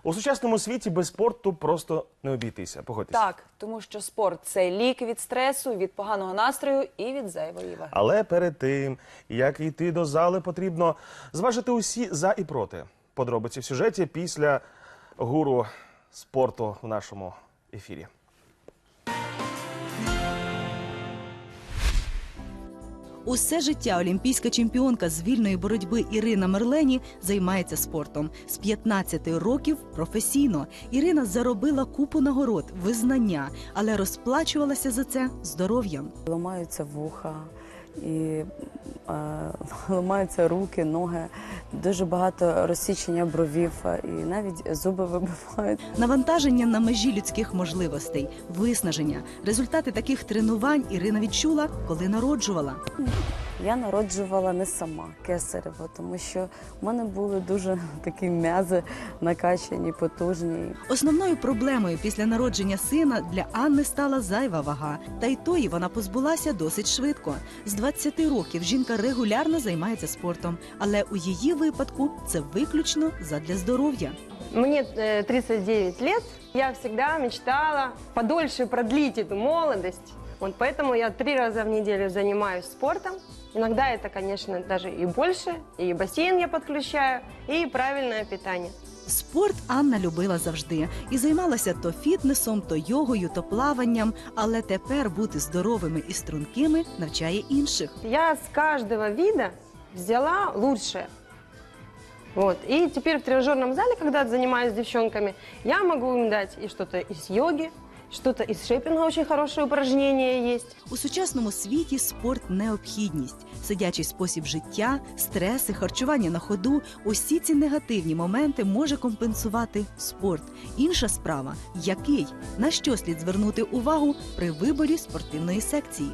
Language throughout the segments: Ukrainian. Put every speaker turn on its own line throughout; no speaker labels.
У сучасному світі без спорту просто не обійтися, погодьтеся.
Так, тому що спорт – це лік від стресу, від поганого настрою і від зайвої ваги.
Але перед тим, як йти до зали, потрібно зважити усі за і проти. Подробиці в сюжеті після гуру спорту в нашому ефірі.
Усе життя олімпійська чемпіонка з вільної боротьби Ірина Мерлені займається спортом. З 15 років професійно. Ірина заробила купу нагород, визнання, але розплачувалася за це здоров'ям.
Ламаються вуха, і ламаються руки, ноги, дуже багато розсічення бровів і навіть зуби вибивають.
Навантаження на межі людських можливостей, виснаження. Результати таких тренувань Ірина відчула, коли народжувала.
Я народжувала не сама, кесарево, тому що в мене були дуже такі м'язи накачані, потужні.
Основною проблемою після народження сина для Анни стала зайва вага. Та й тої вона позбулася досить швидко. З 20 років жінка регулярно займається спортом, але у її випадку це виключно задля здоров'я.
Мне 39 лет, я всегда мечтала подольше продлить эту молодость. Вот поэтому я 3 раза в неделю занимаюсь спортом. Иногда это, конечно, даже и больше, и бассейн я подключаю, и правильное питание.
Спорт Анна любила завжди і займалася то фітнесом, то йогою, то плаванням, але тепер бути здоровими і стрункими навчає інших.
Я с каждого вида взяла лучшее. Вот. И теперь в тренажерном зале, когда занимаюсь с девчонками, я могу им дать и что-то из йоги, что-то из шейпинга, очень хорошее упражнение есть.
У сучасному світі спорт – необхідність. Сидячий спосіб життя, стреси, харчування на ходу – усі ці негативні моменти може компенсувати спорт. Інша справа – який? На що слід звернути увагу при виборі спортивної секції?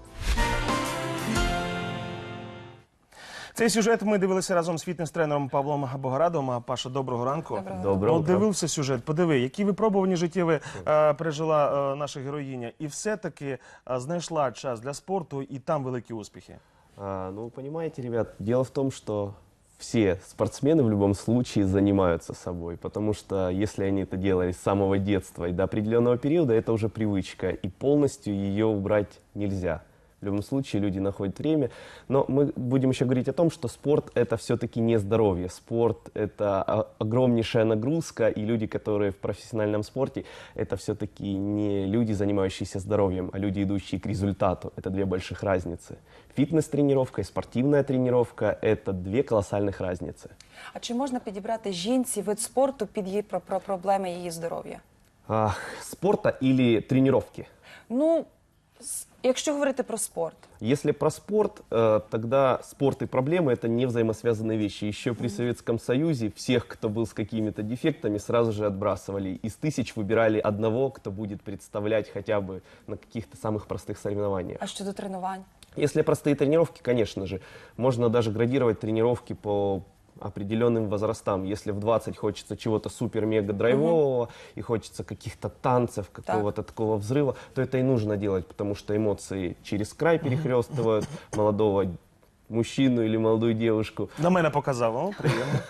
Цей сюжет ми дивилися разом з фітнес-тренером Павлом Богорадовим. Паша, доброго ранку.
Доброго утра.
Дивився сюжет, подиви, які випробувані життєві пережила наша героїня. І все-таки знайшла час для спорту, і там великі успіхи.
Ну, понимаете, ребят, дело в том, что все спортсмены в любом случае занимаются собой, потому что если они это делали с самого детства и до определенного периода, это уже привычка, и полностью ее убрать нельзя. В любом случае люди находят время, но мы будем еще говорить о том, что спорт – это все-таки не здоровье. Спорт – это огромнейшая нагрузка, и люди, которые в профессиональном спорте, это все-таки не люди, занимающиеся здоровьем, а люди, идущие к результату. Это две больших разницы. Фитнес-тренировка и спортивная тренировка – это две колоссальных разницы.
А чи можна підібрати жінці вид спорту під її проблеми її здоров'я?
Спорта или тренировки?
Ну, якщо говорити про спорт.
Если про спорт, тогда спорт и проблемы – это не взаимосвязанные вещи. Еще при Советском Союзе всех, кто был с какими-то дефектами, сразу же отбрасывали. Из 1000 выбирали одного, кто будет представлять хотя бы на каких-то самых простых соревнованиях.
А щодо тренувань?
Если простые тренировки, конечно же, можно даже градировать тренировки по определенным возрастам. Если в 20 хочется чего-то супер-мега-драйвового и хочется каких-то танцев, какого-то такого взрыва, то это и нужно делать, потому что эмоции через край перехлестывают молодого мужчину или молодую девушку.
На мене показав, о, приємно.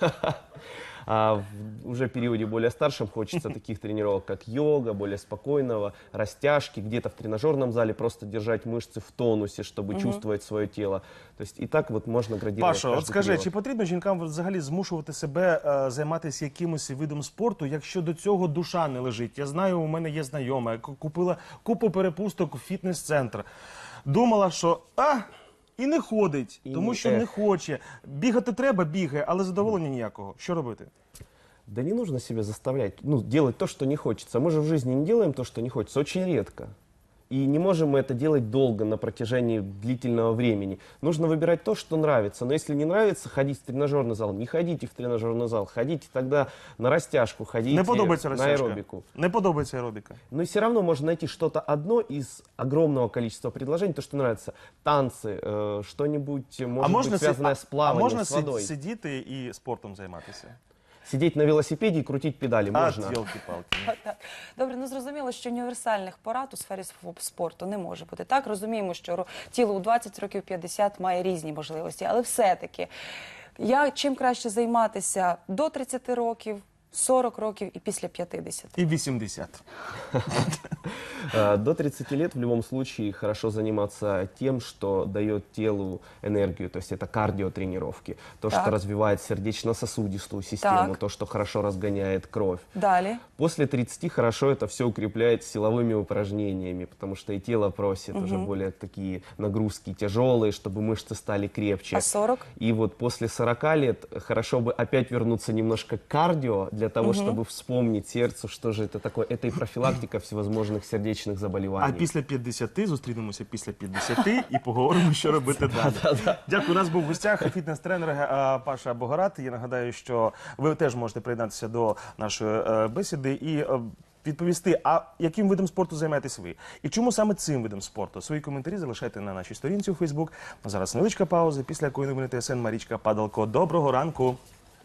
А в уже периоде более старшем хочется таких тренировок, как йога, более спокойного, растяжки, где-то в тренажерном зале просто держать мышцы в тонусе, чтобы чувствовать свое тело. То есть и так вот можно градировать.
Паша, от скажи, чи потрібно жінкам взагалі змушувати себе займатися якимось видом спорту, якщо до цього душа не лежить? Я знаю, у мене є знайома, купила купу перепусток у фітнес-центр. Думала, що і не ходить, тому що не хоче. Бігати треба, бігає, але задоволення ніякого. Що робити?
Да не нужно себя заставлять, делать то, что не хочется. Мы же в жизни не делаем то, что не хочется, очень редко. И не можем мы это делать долго, на протяжении длительного времени. Нужно выбирать то, что нравится. Но если не нравится ходить в тренажерный зал, не ходите в тренажерный зал. Ходите тогда на растяжку, ходите
Не подобається
на
растяжка.
аэробику.
Не подобається аеробіка.
Но все равно можно найти что-то одно из огромного количества предложений, то, что нравится. Танцы, что-нибудь, может быть, связанное с плаванием, с водой.
Сидіти і спортом займатися?
Сидеть на велосипеде и крутить педали можно.
Йолки-палки.
Добре, ну зрозуміло, що універсальних порад у сфері спорту не може бути. Так, розуміємо, що тіло у 20 років, 50 має різні можливості, але все-таки, чим краще займатися до 30 років, 40 років і після 50.
І 80.
До 30 лет в любом случае хорошо заниматься тем, что дает телу энергию, то есть это кардиотренировки, то,
Так.
что развивает сердечно-сосудистую систему,
Так.
то, что хорошо разгоняет кровь.
Далі.
После 30 хорошо это все укреплять силовыми упражнениями, потому что и тело просит уже более такие нагрузки тяжелые, чтобы мышцы стали крепче.
А 40?
И вот после 40 лет хорошо бы опять вернуться немножко к кардио, для того, чтобы вспомнить сердцу, что же это такое. Это и профилактика всевозможных сердечных
А
заболеваний.
після 50 зустрінемося після 50 і поговоримо, що робити далі. Дякую. У нас був в гостях фітнес-тренер Паша Богорат. Я нагадаю, що ви теж можете приєднатися до нашої бесіди і відповісти, а яким видом спорту займаєтесь ви? І чому саме цим видом спорту? Свої коментарі залишайте на нашій сторінці у Фейсбук. Зараз невеличка пауза, після якої новини ТСН Марічка Падалко. Доброго ранку!